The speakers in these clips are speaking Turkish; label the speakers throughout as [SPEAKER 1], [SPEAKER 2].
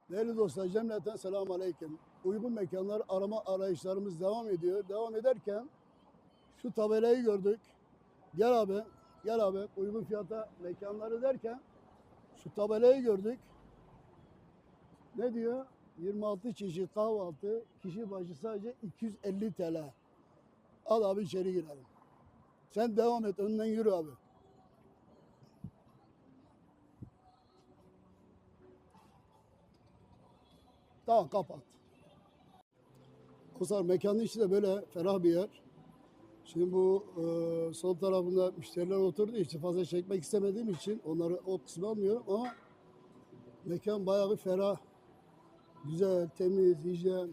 [SPEAKER 1] Değerli dostlar, cemleten selamun aleyküm. Uygun mekanlar arama arayışlarımız devam ediyor. Devam ederken şu tabelayı gördük. Gel abi, gel abi. Uygun fiyata mekanları derken şu tabelayı gördük. Ne diyor? 26 çeşit kahvaltı, kişi başı sadece 250 TL. Al abi içeri girelim. Sen devam et, önden yürü abi. Tamam, kapat. Kusar mekanın içi de böyle ferah bir yer. Şimdi bu sol tarafında müşteriler oturduğu için fazla çekmek istemediğim için onları o kısmı almıyorum ama mekan bayağı bir ferah, güzel, temiz, hijyen.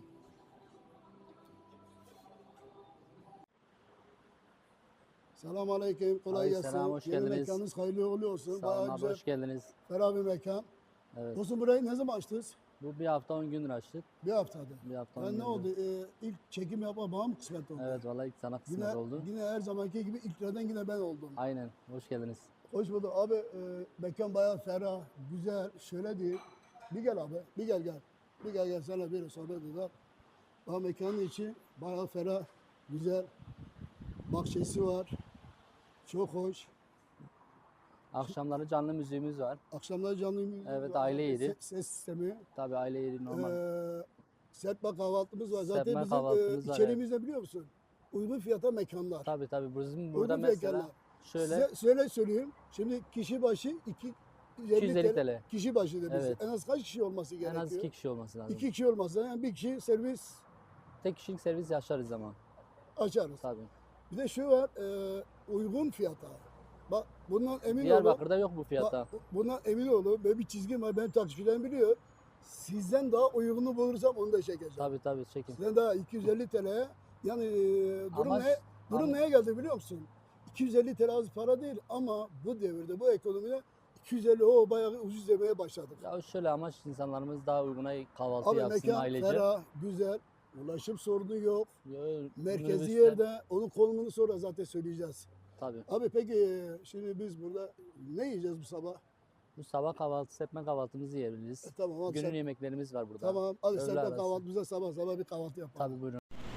[SPEAKER 1] Selamun aleyküm, kolay gelsin.
[SPEAKER 2] Selam, hoş
[SPEAKER 1] Yeni
[SPEAKER 2] geldiniz.
[SPEAKER 1] mekanınız hayırlı uğurlu olsun.
[SPEAKER 2] Sağ olun
[SPEAKER 1] Bayağı
[SPEAKER 2] abi,
[SPEAKER 1] güzel,
[SPEAKER 2] hoş geldiniz.
[SPEAKER 1] ferah bir mekan.
[SPEAKER 2] Evet.
[SPEAKER 1] Dostum burayı ne zaman açtınız?
[SPEAKER 2] Bu bir hafta 10 gündür açtık.
[SPEAKER 1] Bir haftadır.
[SPEAKER 2] Bir hafta 10
[SPEAKER 1] Yani ne
[SPEAKER 2] gündür.
[SPEAKER 1] oldu? İlk çekim yapma bana mı kısmet oldu?
[SPEAKER 2] Evet, vallahi ilk sana kısmet
[SPEAKER 1] Yine,
[SPEAKER 2] oldu.
[SPEAKER 1] yine her zamanki gibi ilklerden yine ben oldum.
[SPEAKER 2] Aynen, hoş geldiniz.
[SPEAKER 1] Hoş bulduk abi. Mekan bayağı ferah, güzel. Şöyle değil. Bir gel abi. Bir gel gel. Bir gel gel sana bir sohbet edelim. Bak mekanın içi bayağı ferah, güzel. Bahçesi var. Çok hoş.
[SPEAKER 2] Akşamları canlı müziğimiz var.
[SPEAKER 1] Akşamları canlı müzik
[SPEAKER 2] Evet,
[SPEAKER 1] var.
[SPEAKER 2] aile yeri.
[SPEAKER 1] Ses sistemi.
[SPEAKER 2] Tabii aile yeri normal.
[SPEAKER 1] Serpme kahvaltımız var. Zaten
[SPEAKER 2] Serpme
[SPEAKER 1] bizim
[SPEAKER 2] kahvaltımız var,
[SPEAKER 1] içeriğimiz ne biliyor musun? Uygun fiyata mekanlar.
[SPEAKER 2] Tabii bizim burada
[SPEAKER 1] Uygun
[SPEAKER 2] mesela
[SPEAKER 1] mekanlar.
[SPEAKER 2] şöyle
[SPEAKER 1] Size söyleyeyim. Şimdi kişi başı
[SPEAKER 2] 250 TL.
[SPEAKER 1] Kişi başı demiş.
[SPEAKER 2] Evet.
[SPEAKER 1] En az kaç kişi olması
[SPEAKER 2] En
[SPEAKER 1] gerekiyor?
[SPEAKER 2] az 2 kişi olması lazım.
[SPEAKER 1] 2 kişi olmazsa yani bir kişi servis
[SPEAKER 2] Tek kişilik servis yaşarız ama.
[SPEAKER 1] açarız.
[SPEAKER 2] Tabii.
[SPEAKER 1] Bir de şu var, uygun fiyata. Bak bundan emin olun.
[SPEAKER 2] Diyarbakır'da yok bu fiyata.
[SPEAKER 1] Bundan emin olun. Böyle bir çizgim var. Benim takipçilerim biliyor. Sizden daha uygunu bulursam onu da çekeceğim.
[SPEAKER 2] Tabii çekin.
[SPEAKER 1] Sizden daha 250 TL. Yani durum
[SPEAKER 2] Ama-
[SPEAKER 1] ne? Durum
[SPEAKER 2] ama-
[SPEAKER 1] neye geldi biliyor musun? 250 TL az para değil ama bu devirde, bu ekonomide 250 o bayağı ucuz demeye başladık.
[SPEAKER 2] Ya şöyle amaç insanlarımız daha uyguna kahvaltı
[SPEAKER 1] Abi
[SPEAKER 2] yapsın
[SPEAKER 1] mekan
[SPEAKER 2] ailece.
[SPEAKER 1] ferah, güzel. Ulaşım sorunu yok.
[SPEAKER 2] Yo,
[SPEAKER 1] Merkezi
[SPEAKER 2] minibüsler-
[SPEAKER 1] yerde. Onun konumunu sonra zaten söyleyeceğiz.
[SPEAKER 2] Tabii.
[SPEAKER 1] Abi peki şimdi biz burada ne yiyeceğiz bu sabah?
[SPEAKER 2] Bu sabah kahvaltı, serpme kahvaltımızı yiyebiliriz.
[SPEAKER 1] Tamam hadi
[SPEAKER 2] Günün
[SPEAKER 1] sen,
[SPEAKER 2] yemeklerimiz var burada.
[SPEAKER 1] tamam hadi
[SPEAKER 2] Öğle
[SPEAKER 1] sen de
[SPEAKER 2] arası.
[SPEAKER 1] kahvaltımıza sabah bir kahvaltı yapalım.
[SPEAKER 2] Tabii buyurun.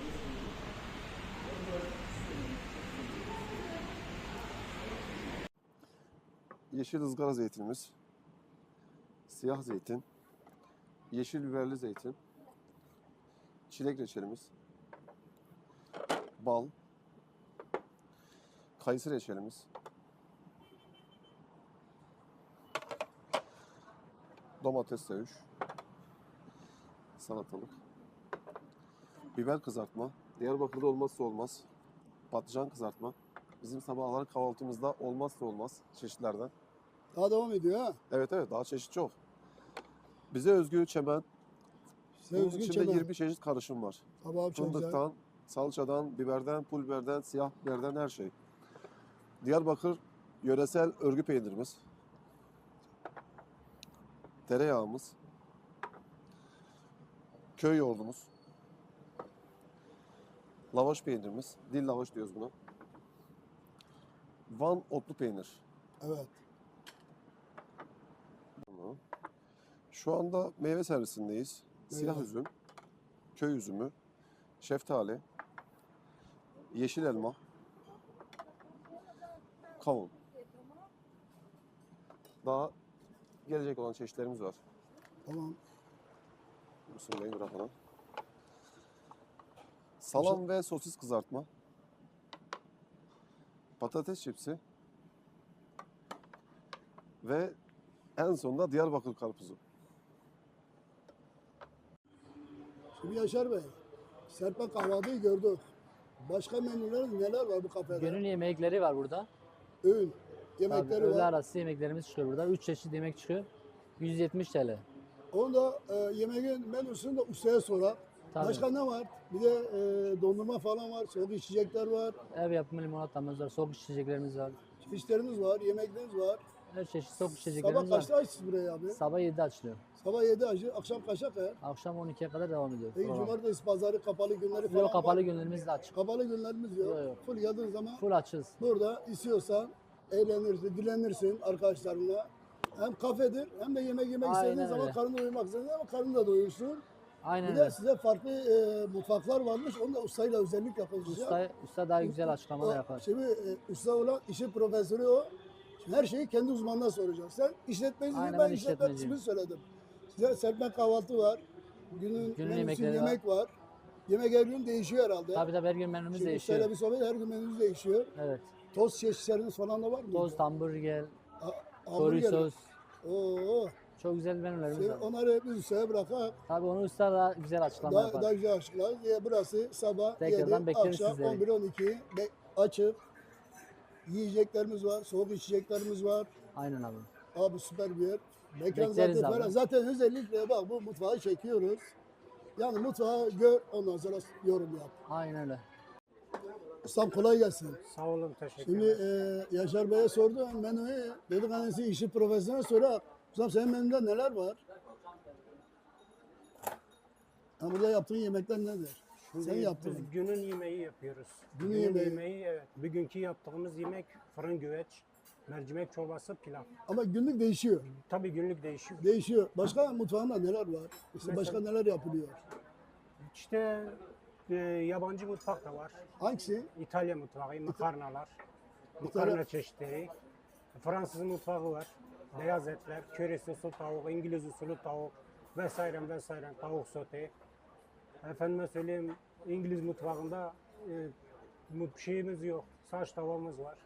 [SPEAKER 3] Yeşil ızgara zeytinimiz, siyah zeytin, yeşil biberli zeytin, çilek reçelimiz, bal, kayısı reçelimiz, domates söğüş, salatalık, biber kızartma, Diyarbakır'da olmazsa olmaz, patlıcan kızartma, bizim sabahları kahvaltımızda olmazsa olmaz çeşitlerden.
[SPEAKER 1] Daha devam ediyor ha.
[SPEAKER 3] Evet daha çeşit çok. Bize özgü çemen, bunun
[SPEAKER 1] Sevgili
[SPEAKER 3] içinde
[SPEAKER 1] Çemen.
[SPEAKER 3] 20 çeşit karışım var.
[SPEAKER 1] Tamam çok güzel.
[SPEAKER 3] Fındıktan, salçadan, biberden, pul biberden, siyah biberden her şey. Diyarbakır yöresel örgü peynirimiz. Tereyağımız. Köy yoğurdumuz. Lavaş peynirimiz. Dil lavaş diyoruz buna. Van otlu peynir.
[SPEAKER 1] Evet.
[SPEAKER 3] Bunu. Şu anda meyve servisindeyiz. Siyah
[SPEAKER 1] Meyve.
[SPEAKER 3] üzüm, köy üzümü, şeftali, yeşil elma, kavun. Daha gelecek olan çeşitlerimiz var.
[SPEAKER 1] Tamam.
[SPEAKER 3] Bismillahirrahmanirrahim bırakalım. Salam ve sosis kızartma, patates çipsi ve en sonunda Diyarbakır karpuzu.
[SPEAKER 1] Şimdi Yaşar Bey, serpme kahvaltıyı gördük. Başka menüler neler var bu kafede?
[SPEAKER 2] Günün yemekleri var burada.
[SPEAKER 1] Öğün,
[SPEAKER 2] Tabii,
[SPEAKER 1] yemekleri
[SPEAKER 2] öğle
[SPEAKER 1] var.
[SPEAKER 2] arası yemeklerimiz çıkıyor burada. 3 çeşit yemek çıkıyor. 170 TL.
[SPEAKER 1] Onu da yemeğin menüsünü de ustaya sorar.
[SPEAKER 2] Tabii.
[SPEAKER 1] Başka ne var? Bir de dondurma falan var, soğuk içecekler var,
[SPEAKER 2] Ev yapımı limonatamız var, soğuk içeceklerimiz var.
[SPEAKER 1] çeşitleriniz var, yemekleriniz var.
[SPEAKER 2] Her çeşit soğuk
[SPEAKER 1] Sabah
[SPEAKER 2] içeceklerimiz var.
[SPEAKER 1] kaçta açsınız burayı abi?
[SPEAKER 2] Sabah 7'de açılıyor.
[SPEAKER 1] Sabah 7 açı, akşam kaça kadar?
[SPEAKER 2] Akşam 12'ye kadar devam ediyor.
[SPEAKER 1] Peki
[SPEAKER 2] program.
[SPEAKER 1] cumartesi, pazarı, kapalı günleri falan
[SPEAKER 2] Yok, kapalı
[SPEAKER 1] var.
[SPEAKER 2] günlerimiz de açık.
[SPEAKER 1] Kapalı günlerimiz yok.
[SPEAKER 2] Yok.
[SPEAKER 1] Full geldiğin zaman
[SPEAKER 2] Full açız.
[SPEAKER 1] burada istiyorsan eğlenirsin, dilenirsin arkadaşlarınla. hem kafedir hem de yemek yemek
[SPEAKER 2] Aynen
[SPEAKER 1] istediğin zaman
[SPEAKER 2] öyle.
[SPEAKER 1] karnını doyurmak istediğin zaman karnını da doyursun.
[SPEAKER 2] Aynen
[SPEAKER 1] Bir de
[SPEAKER 2] öyle.
[SPEAKER 1] size farklı mutfaklar varmış. Onu da ustayla özellikle konuşacağım.
[SPEAKER 2] Usta daha güzel açıklamalar yapar.
[SPEAKER 1] Şimdi usta olan işin profesörü o. Şimdi her şeyi kendi uzmanına soracak. Sen işletmecisin,
[SPEAKER 2] Aynen,
[SPEAKER 1] ben
[SPEAKER 2] ben
[SPEAKER 1] işletme
[SPEAKER 2] işletmeciyim.
[SPEAKER 1] kısmını söyledim. Size serpme kahvaltı var. Günün menüsü
[SPEAKER 2] yemekleri
[SPEAKER 1] yemek var. Yemek her gün değişiyor herhalde.
[SPEAKER 2] Tabii her gün menümüz
[SPEAKER 1] Şimdi
[SPEAKER 2] değişiyor.
[SPEAKER 1] ustayla bir sohbet her gün menümüz değişiyor.
[SPEAKER 2] Evet.
[SPEAKER 1] Tost çeşitleriniz falan da var mı?
[SPEAKER 2] Tost, hamburger,
[SPEAKER 1] Hamburger.
[SPEAKER 2] chorizo.
[SPEAKER 1] Oo.
[SPEAKER 2] Çok güzel menülerimiz
[SPEAKER 1] Şimdi
[SPEAKER 2] var.
[SPEAKER 1] onları biz ustaya bırakak.
[SPEAKER 2] Tabii onu usta da güzel açıklama
[SPEAKER 1] Daha,
[SPEAKER 2] yapar.
[SPEAKER 1] daha güzel açıklar. Burası sabah
[SPEAKER 2] Tekrardan
[SPEAKER 1] 7,
[SPEAKER 2] bekleriz
[SPEAKER 1] akşam
[SPEAKER 2] sizleri.
[SPEAKER 1] 11-12 açık. Yiyeceklerimiz var, soğuk içeceklerimiz var.
[SPEAKER 2] Aynen abi.
[SPEAKER 1] Abi süper bir yer. Mekan
[SPEAKER 2] Bekleriz
[SPEAKER 1] zaten
[SPEAKER 2] abi.
[SPEAKER 1] falan. Zaten özellikle bak bu mutfağı çekiyoruz. Yani mutfağı gör ondan sonra yorum yap.
[SPEAKER 2] Aynen öyle.
[SPEAKER 1] Ustam kolay gelsin.
[SPEAKER 4] Sağ olun, teşekkür
[SPEAKER 1] Şimdi
[SPEAKER 4] ederim.
[SPEAKER 1] Yaşar Bey'e sordum menüyü. Dedik annesi işi profesyonel sonra. Ustam senin menüde neler var? Ha, burada yaptığın yemekler nedir? Sen
[SPEAKER 4] Şimdi
[SPEAKER 1] yaptın.
[SPEAKER 4] biz günün yemeği yapıyoruz.
[SPEAKER 1] Günün yemeği.
[SPEAKER 4] Evet. Bugünkü yaptığımız yemek fırın güveç, mercimek çorbası, pilav.
[SPEAKER 1] Ama günlük değişiyor.
[SPEAKER 4] Tabii günlük değişiyor.
[SPEAKER 1] Değişiyor. Başka mutfağında neler var? İşte başka
[SPEAKER 4] Mesela-
[SPEAKER 1] neler yapılıyor?
[SPEAKER 4] İşte yabancı mutfak da var.
[SPEAKER 1] Hangisi?
[SPEAKER 4] İtalya mutfağı, makarnalar, makarna çeşitleri. Fransız mutfağı var. Beyaz etler, köri soslu tavuk, İngiliz usulü tavuk vesaire vesaire, tavuk sote. Efendime söyleyeyim, İngiliz mutfağında şeyimiz yok. Saç tavamız var.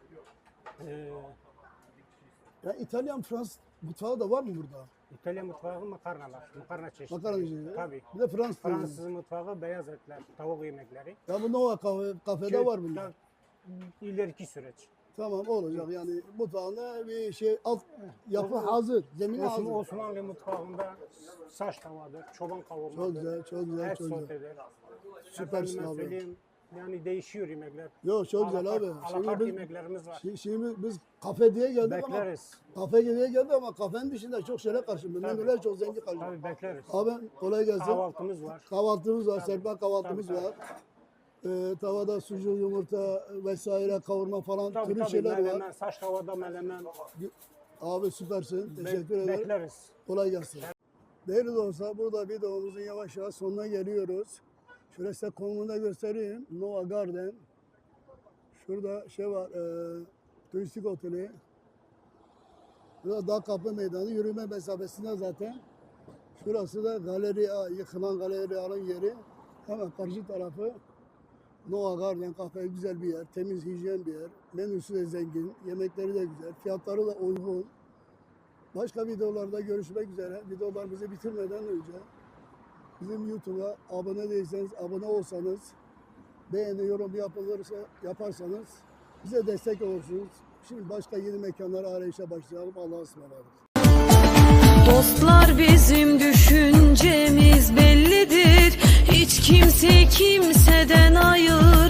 [SPEAKER 1] Ya İtalyan, Fransız mutfağı da var mı burada?
[SPEAKER 4] İtalyan mutfağı makarnalar, makarna çeşitleri.
[SPEAKER 1] Makarna çeşitleri.
[SPEAKER 4] Tabii.
[SPEAKER 1] Bir de Fransız.
[SPEAKER 4] Fransız mutfağı beyaz etler, tavuk yemekleri.
[SPEAKER 1] Ya bu Nova kafede var bunlar.
[SPEAKER 4] İleriki süreç.
[SPEAKER 1] Tamam olacak yani mutfağında bir şey alt yapı hazır, zemini hazır.
[SPEAKER 4] Osmanlı mutfağında saç tavadır, çoban kavurmadır.
[SPEAKER 1] Çok güzel, çok güzel,
[SPEAKER 4] Et
[SPEAKER 1] çok güzel.
[SPEAKER 4] sotedir.
[SPEAKER 1] Süpersin
[SPEAKER 4] Efendime
[SPEAKER 1] abi.
[SPEAKER 4] söyleyeyim, yani değişiyor yemekler.
[SPEAKER 1] Yok çok güzel abi.
[SPEAKER 4] Alakart
[SPEAKER 1] biz,
[SPEAKER 4] yemeklerimiz var.
[SPEAKER 1] şimdi biz kafe diye geldik
[SPEAKER 4] Bekleriz.
[SPEAKER 1] ama kafe diye geldik ama kafenin dışında çok şeyler karşımda.
[SPEAKER 4] Tabii.
[SPEAKER 1] Menüler çok zengin karşımda.
[SPEAKER 4] Tabii bekleriz.
[SPEAKER 1] Abi kolay gelsin.
[SPEAKER 4] Kahvaltımız var.
[SPEAKER 1] Kahvaltımız var, serpme kahvaltımız
[SPEAKER 4] Tabii,
[SPEAKER 1] var. Tavada sucuk, yumurta vesaire kavurma falan
[SPEAKER 4] Tabii
[SPEAKER 1] türlü
[SPEAKER 4] tabii
[SPEAKER 1] şeyler
[SPEAKER 4] melemen,
[SPEAKER 1] var.
[SPEAKER 4] saç tavada melemen.
[SPEAKER 1] Abi süpersin. Teşekkür ederim.
[SPEAKER 4] Bekleriz.
[SPEAKER 1] Kolay gelsin. Değerli dostlar burada videomuzun yavaş yavaş sonuna geliyoruz. Şöyle size konumunu da göstereyim. Nova Garden. Şurada şey var, turistik oteli. Burada Dağ Kapı Meydanı yürüme mesafesinde zaten. Şurası da galeri A, yıkılan galeri A'nın yeri. Hemen karşı tarafı Nova Garden kafe, güzel bir yer, temiz, hijyen bir yer. Menüsü de zengin, yemekleri de güzel, fiyatları da uygun. Başka videolarda görüşmek üzere. Videolarımızı bitirmeden önce bizim YouTube'a abone değilseniz, abone olsanız, beğeni, yorum yaparsanız bize destek olursunuz. Şimdi başka yeni mekanlara arayışa başlayalım. Allah'a ısmarladık.
[SPEAKER 5] Dostlar bizim düşüncemiz bellidir. Hiç kimse kimseden ayır